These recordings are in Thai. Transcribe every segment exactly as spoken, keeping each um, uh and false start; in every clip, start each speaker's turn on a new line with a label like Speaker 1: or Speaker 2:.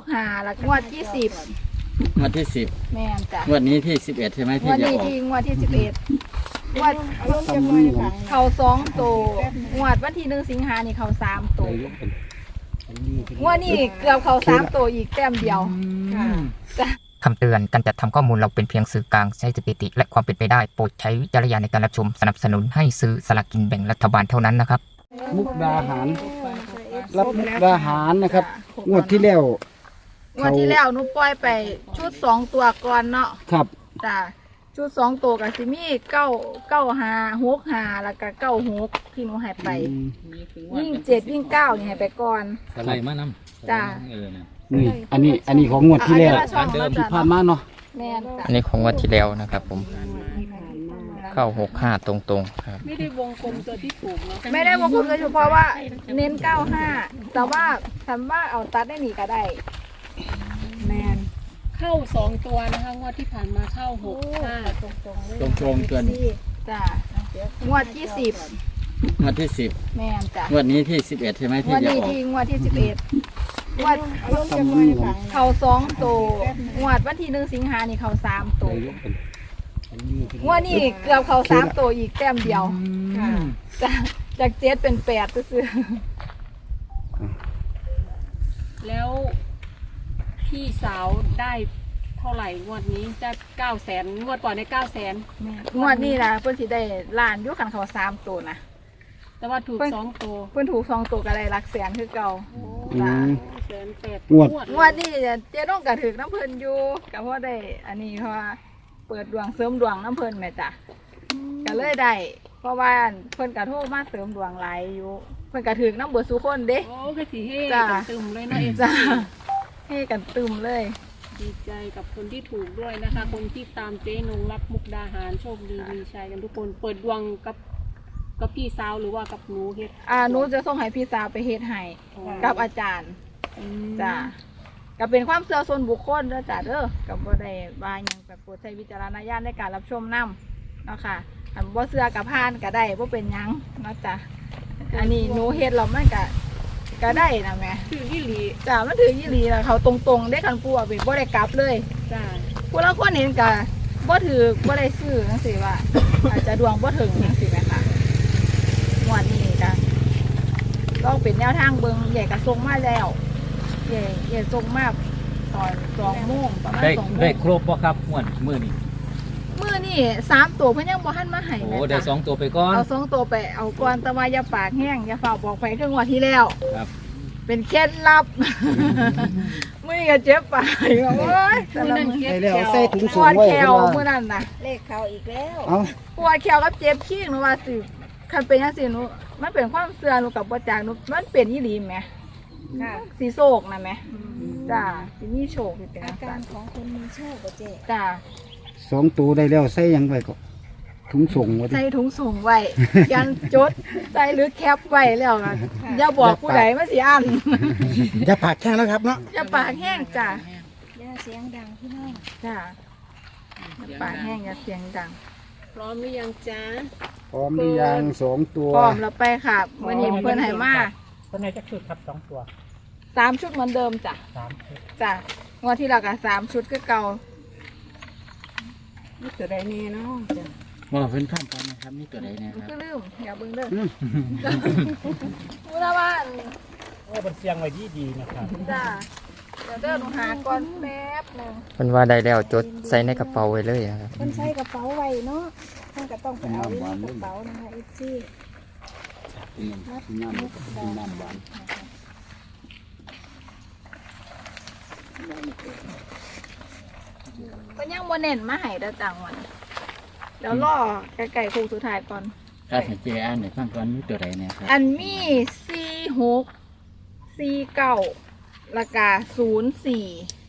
Speaker 1: หาแล้วงวดที่สิบ
Speaker 2: งวดที่สิบ
Speaker 1: แม่นจ้ะ
Speaker 2: งวดนี้ที่สิบเอ็ดใช่ไหมที่
Speaker 1: งวด
Speaker 2: จะ
Speaker 1: นี้
Speaker 2: ออก
Speaker 1: ที่งวดที่สิบเอ็ดงวดเขาสองตัวงวดวันที่หนึ่งสิงหานี่เขาสามตัวงวดนี้เกือบเขาสามตัวอีกแต้มเดียวจ้ะ
Speaker 3: คำเตือนการจัดทำข้อมูลเราเป็นเพียงสื่อกลางใช้สถิติและความเป็นไปได้โปรดใช้วิจารณญาณในการรับชมสนับสนุนให้ซื้อสลากกินแบ่งรัฐบาลเท่านั้นนะครับ
Speaker 4: มุกดาหารรับมุกดาหารนะครับงวดที่แล้ว
Speaker 1: งวดที่แล้วหนูปล่อยไปชุดสองตัวก่อนเนาะ
Speaker 4: ครับ
Speaker 1: จ้ะชุดสองตัวกับซิมี่เก้าเก้าหาหกหาแล้วก็เก้าหกที่หนูให้ไปยิ่งเจ็ดยิ่งเก้านี่ให้ไปก่อน
Speaker 2: อะไรมานำ
Speaker 1: จ้ะ
Speaker 4: นี่อันนี้อันนี้ของงวดที่แล้วที่ผ่านมาเนาะ
Speaker 1: แม่นจ้ะ
Speaker 3: อันนี้ของงวดที่แล้วนะครับผมเข้าหกห้าตรงๆครับ
Speaker 5: ไม่ได้วงกลมตัวที่ถูกเนาะ
Speaker 1: ไม่ได้วงกลมเลยเฉพาะว่าเน้นเก้าห้าแต่ว่าทำว่าเอาตัดได้หนีก็ได้แมน
Speaker 5: เข้าสองตัวนะคะงวดที่ผ่านมาเข้าหกห้าตรง
Speaker 1: ตรงเลย
Speaker 2: ตรงตรงตัวนี้
Speaker 1: จ้ะงวดที่สิบ
Speaker 2: งวดที่สิบ
Speaker 1: แม่นจ้ะ
Speaker 2: งวดนี้ที่สิบเอ็ดใช่ไหมที่จะออก
Speaker 1: งวดนี้ที่งวดที่สิบเอ็ดงวดเขาสองตัวงวดวันที่หนึ่งสิงหานี่เขาสามตัวงวดนี้เกือบเขาสามตัวอีกแต้มเดียวจ้ะจากเจ็ดเป็นแปดซื้อ
Speaker 5: แล้วพี่สาวได้เท่าไหร่งวดนี้ได้เก้าแสนงวดก่อนได้เก้าแสน
Speaker 1: งวดนี้นะเพื่อนสิได้ล้านยุคขันเขาสามตัวนะ
Speaker 5: แต่ว่าถูกสองตัว
Speaker 1: เพื่อนถูกสองตัวก็ได้หลักแสนคือเก่า
Speaker 5: แสนแปด
Speaker 4: งวด
Speaker 1: งวดนี้เจ๊ต้องกระถือน้ำเพลินอยู่กับเพราะได้อันนี้เพราะว่าเปิดดวงเสริมดวงน้ำเพลินแม่จ้ะก็เลยได้เพราะว่าเพิ่นกระโทษมาเสริมดวงหลายอยู่เพิ่นกระถือน้ำเบิดสุคนเด้
Speaker 5: โอ้ก็สิเฮ่กันตึมเลยเนาะเอ็ม
Speaker 1: จ้าเฮ่กันตึมเลย
Speaker 5: ดีใจกับคนที่ถูกด้วยนะคะคนที่ตามเจ๊นงรับมุกดาหารโชคดีมีชัยกันทุกคนเปิดดวงกับกับพี่สาวหรือว่ากับหนูเฮ็ด
Speaker 1: อ่าหนูจะส่งให้พี่สาวไปเฮ็ดให้กับอาจารย์จ้าก็เป็นความเชื่อส่วนบุคคลเด้อจ้าเด้อกับบ่ได้ว่าหยังแบบโปรดใช้วิจารณญาณในการรับชมนำเนาะค่ะอันบ่เชื่อกับพานก็ได้บ่เป็นหยังเนาะจ้ะอันนี้หนูเฮ็ดแล้วมันก็ก็ได้นะแม่
Speaker 5: ถือยี่หลี
Speaker 1: จ้ามันถือยี่หลีแล้วเขาตรงๆได้คันปูอ่ะเป็นบ่ได้กลับเลย
Speaker 5: จ้า
Speaker 1: ผู้ละคนเห็นก็บ่ถือบ่ได้ซื้อจังซี่ว่าอาจจะดวงบ่ถึงจังซี่แม่ค่ะงวดนี้จ้ะต้องเป็นแนวทางเบิ่งใหญ่ก็ส่งมาแล้วใหญ่ใหญ่ส่งมาตอนสองโมงประมาณสองโมง
Speaker 2: ได้ครบบ่ครับงวดมื้อนี้
Speaker 1: มื้อนี้สามตัวเพิ่นยังบ่ทันมาให้
Speaker 2: โอ้ได้สองตัวไปก่อน
Speaker 1: เอาสองตัวไปเอาก่อนแต่ว่าอย่าปากแห้งอย่าฝ่าบอกไปคืองวดที่แล้ว
Speaker 2: ครับ
Speaker 1: เป็นเคล็ดลับมื้อนี้ก็เจ็บปากโอ้ย
Speaker 5: มื้อนั้นเก็บ
Speaker 4: แล้วใส่ถุงสู
Speaker 1: งไว้ปวดแขว
Speaker 4: มื้
Speaker 1: อนั้นน่ะ
Speaker 5: เลขเขาอีกแล้ว
Speaker 1: ปวดแขวกับเจ็บขี้หนูว่าสิคันเป็นจังซี่หนูมันเป็นความเชื่อหนูกับบ่จักหนูมันเป็นอีหลีแหมค่ะสิโชคนะแหมจ้าสิมีโชคสิเป็นอาการของคนมีโชคบ่เจ๊จ้า
Speaker 4: สองตัวได้แล้วใส่ยังไว้ก็ถุงส่งไว้
Speaker 1: ใส่ถุงส่งไว้ยันจดใส่หรือแคปไว้แล้วนะอย่าบอกผู้ใดมาสิอัน
Speaker 4: อย่าปากแห้งแล้วครับเนาะ
Speaker 1: อย่าปากแห้งจ้ะ
Speaker 5: อย่าเสียงดังพี่น้อง
Speaker 1: จ้ะอย่าปากแห้งอย่าเสียงดัง
Speaker 5: พร้อมหรือยังจ้า
Speaker 4: พร้อมหรือยังสองตัว
Speaker 1: พร้อมแล้วไปค่ะวันนี้เพื่อนให้มา
Speaker 6: เพื่อนให้จักชุดครับสองตัว
Speaker 1: สามชุดเหมือนเดิมจ้ะ
Speaker 6: สามชุด
Speaker 1: จ้ะงวดที่เรากับสามชุดก็เก่า
Speaker 5: นี่ตัวใดเนี่ยเนาะจ้ะ
Speaker 2: ว่าเพิ่นข้ามกันนะครับนี่ตัวใดเนี่ยครับ
Speaker 1: ก็ลืมอย่าเบิ่งเด้อมูลบ้าน
Speaker 6: โอ้เป็นเสียงไว้ดีดีนะครับ
Speaker 1: จ้ะเดี๋ยวเดินหาก่อนแป๊บนึง
Speaker 3: เพิ่นว่าได้แล้วจดใส่ในกระเป๋าไว้เลยครับ
Speaker 1: เพิ่นใส่กระเป๋าไว้เนาะท่านก็ต้องไปเอาในกระเป๋านะคะเอฟซีน้ำน้ำหวานก็ยังโมเน้นมาให้ด้จังวันเดี๋ยวรอไก่ไก่คูสุดท้ายก่อน
Speaker 2: ถ้าสังเกตอันไหนฟังก่อนมีตัวใดเนี่ยครับ
Speaker 1: อันมีสี่หกสี่เก้าราคาศูนย์สี่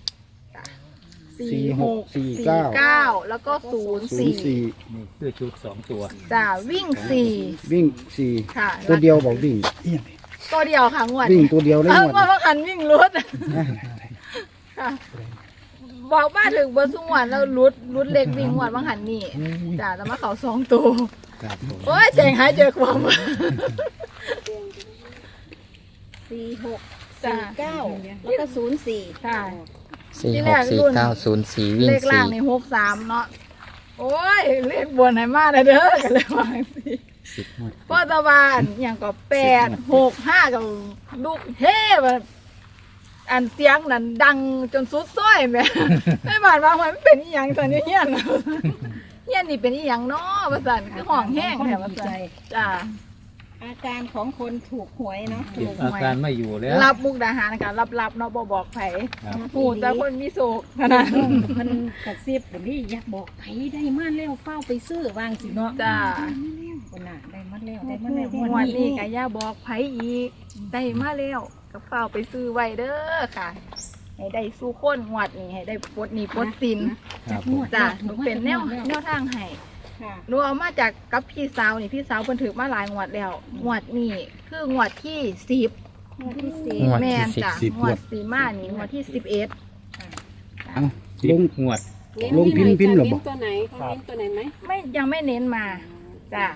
Speaker 4: สี่หกสี่เ
Speaker 1: ก้าแล้วก็ศูนย์สี่
Speaker 2: นี่คือชุดสองตัว
Speaker 1: จ้าวิ่งสี่
Speaker 4: วิ่งสี่
Speaker 1: ค่ะ
Speaker 4: ตัวเดียวบอกวิ่ง
Speaker 1: ตัวเดียวค่ะงวด
Speaker 4: วิ่งตัวเดียวได้งวด
Speaker 1: ว่าคันวิ่งรุดค่ะบอกมาถึงเบอร์สุวรรณแล้วรุดรุดเล็กวิ่งงวดบางหันนี่จ้าแล้วมาเขาสองตัวโอ้ยเจ๋งหายเจอความ
Speaker 5: สี่หก
Speaker 1: จ้ะ
Speaker 7: เก้าแล้วก็ศูนย์สี่
Speaker 1: ค่ะ
Speaker 3: สี่
Speaker 1: ที่
Speaker 3: ห
Speaker 1: แร
Speaker 3: ก
Speaker 1: ก
Speaker 3: สี่
Speaker 1: รุ่น
Speaker 3: เก้าศูนย์สี่วิ่ง
Speaker 1: เลขล่า
Speaker 3: สี่
Speaker 1: งในหกสามเนาะโอ้ยเลขบนไหนมาเด้อกันเลยว่าสิ
Speaker 2: สิบหมด
Speaker 1: พ่อตะวันอย่างก็แปดหกห้ากับลูกเฮ่แบบอันเสียงนั้นดังจนสุดซ้อยแม่ ไม่บาดว่ามันเป็นอีหยังตอนนี้เฮียนเฮียนนี่เป็นอีหยังเนาะว่าซั่นคือห้องแห้งแถวว่าซั่นจ้า
Speaker 7: อาการของคนถูกหวยเนาะ
Speaker 2: เก็บอาการไม่อยู่แล้ว
Speaker 1: รับมุกดาหารนะคะรับๆเนาะบ่บอกไผ
Speaker 2: ครับ
Speaker 1: หูแต่คนมีโศกเท่านั้น
Speaker 7: มันกระซิบแบบนี้อยากบอกไผได้มาแล้วเฝ้าไปซื้อวางสิเนาะ
Speaker 1: จ้า
Speaker 7: คนน่ะได้มาแล้วได้มาแล้ว
Speaker 1: งวดนี้ก็อย่าบอกไผอีกได้มาแล้วก็เฝ้าไปซื้อไว้เด้อค่ะ ให้ได้สู้คนงวดนี้ให้ได้ปลดหนี้ปลดสิน
Speaker 2: ครับผม
Speaker 1: จ้ะหนูเป็นแนวแนวทางให้
Speaker 7: ค่ะ
Speaker 1: หนูเอามาจากกับพี่สาวนี่พี่สาวเพิ่นถือมาหลายงวดแล้วงวดนี้คืองวดที่สิบ
Speaker 7: งวดที่สี่
Speaker 3: งวด
Speaker 1: แม่
Speaker 3: ที่
Speaker 1: น
Speaker 3: สิบ
Speaker 1: จ้ะงวดสีมานี่งวดที่สิบเอ็ด
Speaker 4: เอา
Speaker 2: สิ
Speaker 4: ล
Speaker 2: บ
Speaker 4: ง
Speaker 2: งวด
Speaker 4: ลงพิมพ์พิมพ์เหรอบอก
Speaker 5: เน้นตัวไหนเขาเน้นตัวไหนไหม
Speaker 1: ไม่ยังไม่เน้นมาจ้ะ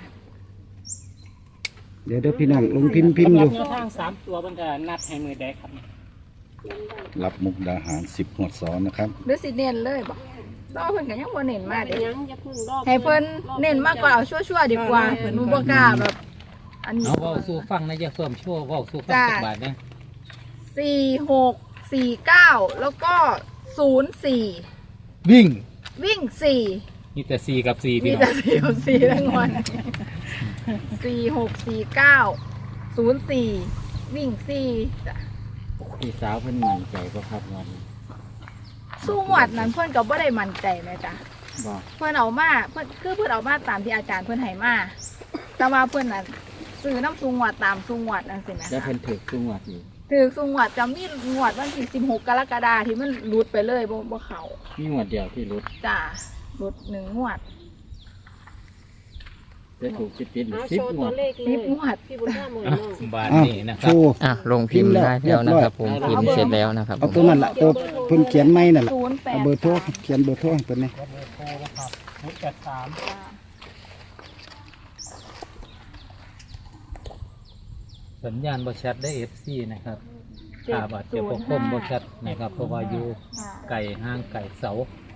Speaker 4: เดี๋ยวเดี๋ยวพี่น้องลงพิมพ์พิมพ์อยู่
Speaker 6: สำหรับแนวทางสามตัวมันจะนัดให้มือแดกครับ
Speaker 8: รับมุกดาหารสิบหวดซ้อนนะครับ
Speaker 1: หรือสิเน้นเลยบ่รอเพิ่นก็ยังบ่เน้นมา
Speaker 5: เป็น
Speaker 1: เด้
Speaker 5: ยังอย่าเพึ่งรอบ
Speaker 1: ให้เพิ่นเน้นมากกว่าเอาชั่วๆดีกว่าหนูบ่กล้าแบบ อันนี้
Speaker 2: เอาเว้าสู้ฟังนะอย่าเพิ่มชั่วเว้าสู้ฟัง
Speaker 1: จ้ะ
Speaker 2: สักบาทนะ
Speaker 1: สี่หกสี่เก้าแล้วก็ศูนย์สี่
Speaker 2: วิ่ง
Speaker 1: วิ่งสี่
Speaker 2: มีแต่สี่กับสี่พี่
Speaker 1: มี
Speaker 2: น้
Speaker 1: แต่
Speaker 2: อง
Speaker 1: สี่กับสี่ทั้งวันสี่หกสี่เก้าศูนย์สี่วิ่งสี่จ้ะ
Speaker 2: พี่สาวเพิ่นมั่นใจบ่ครับวันนี้
Speaker 1: สู้หวัดนั้นเพื่อนก็บ่ได้มั่นใจไหมจ้ะ
Speaker 2: บอก
Speaker 1: เพื่อนเอามาเพื่อนคือเพื่อนเอามาตามที่อาจารย์เพื่อนให้มาแต่ว่าเพื่อนน่ะซื้อน้ำซุงหวัดตามซุงหวัดนั่นสินะ
Speaker 2: แล้วเพิ่นถึกทุกงวดอยู่
Speaker 1: ถือซุงหวัดจำมีงวดวันที่สิบหกกรกฎาคมที่มันหลุดไปเลยบ่บ่เขา
Speaker 2: มีงวดเดียวที่รุด
Speaker 1: จ้ะหลุดหนึ่งงวด
Speaker 2: จะถูกจิตติด
Speaker 5: เอา
Speaker 2: สิบ
Speaker 5: โชว์
Speaker 2: ง
Speaker 5: ตัว ว
Speaker 2: ด
Speaker 5: เลขเล
Speaker 1: สิบ
Speaker 5: ย
Speaker 1: งวด
Speaker 5: พี่บุญธรรมหมด
Speaker 2: อ่ะ
Speaker 5: เนาะ
Speaker 2: บาท
Speaker 4: อ้าว
Speaker 2: นี้นะค
Speaker 4: โช
Speaker 2: รับ
Speaker 4: ว์
Speaker 3: อ่ะลงพิมพ์ได้แล้วนะครับผมพิมพ์เสร็จแล้วนะครับผ
Speaker 4: เอา
Speaker 3: ม
Speaker 4: ตัวนั้นละตัวเพิ่นเขียนไม่นั่นแหละ
Speaker 1: ศูนย์แป
Speaker 4: เอา
Speaker 1: ด
Speaker 4: เบอร์โทรเขียนเบอร์โทรให้เพิ่นนี่
Speaker 6: เบอร์โทรนะครับศูนย์แปดสาม
Speaker 2: สัญญาณบ่ชัดได้ เอฟ ซี นะครับขาบาดเจ็บบ่คมบ่ชัดนะครับเพราะว่าอยู่ไก่ห้างไก่เสา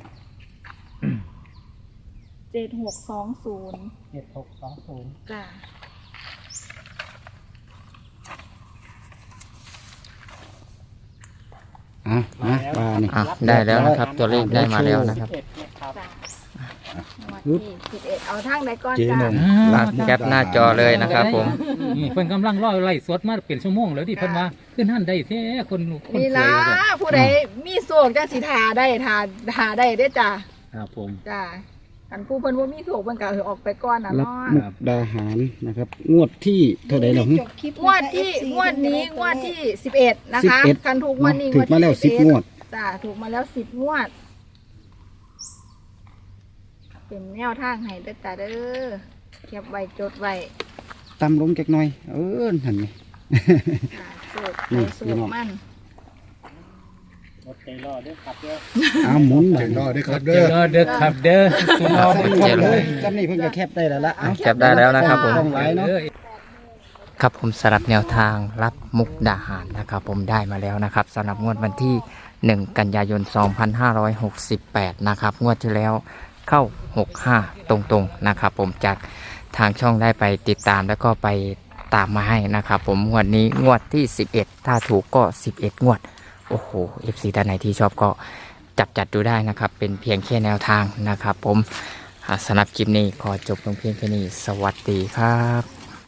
Speaker 1: เจ็ดหกสองศูนย์
Speaker 6: เจ็ดหกสองศูนย์
Speaker 1: จ้ะ
Speaker 4: อ่ะมาว่านี่
Speaker 3: อ่ะได้แล้วนะครับ ตัวเลขได้มาแล้วนะครับ
Speaker 6: เอ็ดนะครับ
Speaker 1: จ้ะงวดที่สิบเอ็ดเอาทางใดก่อน
Speaker 8: เจ๊
Speaker 1: จ้ะ
Speaker 8: นง
Speaker 3: ลากแคปหน้าจอเลยนะครับผม
Speaker 2: นี่เพิ่นกำลังรอไล่สดมาเป็นชั่วโมงแล้วดิเพิ่นว่าขึ้นหันได้แท้คนคน
Speaker 1: นี่
Speaker 2: สว
Speaker 1: ล่ะ
Speaker 2: ยเลย
Speaker 1: ผู้ใดมีโศกจังสิทาได้ทาทาได้เด้อจ้ะ
Speaker 2: ครับผม
Speaker 1: จ้ะคันผู้เพิ่นบ่มีโศกเพิ่นก็เอาออกไปก่อนน่ะ
Speaker 4: รับ
Speaker 1: เนาะ
Speaker 4: มุกดาหารนะครับ งวดที่เท่าไหร่หรอ
Speaker 7: จบคลิป
Speaker 1: งวดที่งวดนี้งวดที่สิบเอ็ดนะคะ
Speaker 4: สิบเอ็ด
Speaker 1: คันถูกงวดนี้
Speaker 4: ถูกมาแล้วสิบงวด
Speaker 1: จ้ะถูกมาแล้วสิบงวด เป็นแนวทางให้เด้อจ้ะเด้อเก็บไว้จดไว้
Speaker 4: ตำลงจักหน่อย เออนั่นไง
Speaker 1: จ้ะโศก
Speaker 4: นี่
Speaker 1: ไปโศ
Speaker 4: พี่
Speaker 1: ก
Speaker 4: น้อง
Speaker 1: มัน
Speaker 6: รถใจรอด้วยครับเด้อ
Speaker 4: อ้าวหมุน
Speaker 8: ถึงรอด้วยครับ
Speaker 2: เด้
Speaker 8: เด้อ
Speaker 2: อเด้อครับเด้อ
Speaker 4: เอาซ้ำนี่เลยซ้ำนี่เพิ่งจะแคปได้แล้วละเอา
Speaker 3: แคปได้แล้วนะครับผม
Speaker 4: ต้องไว้เนาะ
Speaker 3: ครับผมสำหรับแนวทางรับมุกดาหารนะครับ ผมได้มาแล้วนะครับสำหรับงวดวันที่หนึ่งกันยายนสองพันห้าร้อยหกสิบแปดนะครับงวดที่แล้วเข้าหกห้าตรงๆนะครับ ผมจากทางช่องได้ไปติดตามแล้วก็ไปตามมาให้นะครับ ผมงวดนี้งวดที่สิบเอ็ดถ้าถูกก็สิบเอ็ดงวดโอ้โห เอฟ ซี ท่านไหนที่ชอบก็จับจัดดูได้นะครับ เป็นเพียงแค่แนวทางนะครับ ผมอ่าสำหรับคลิปนี้ขอจบลงเพียงแค่นี้สวัสดีครับ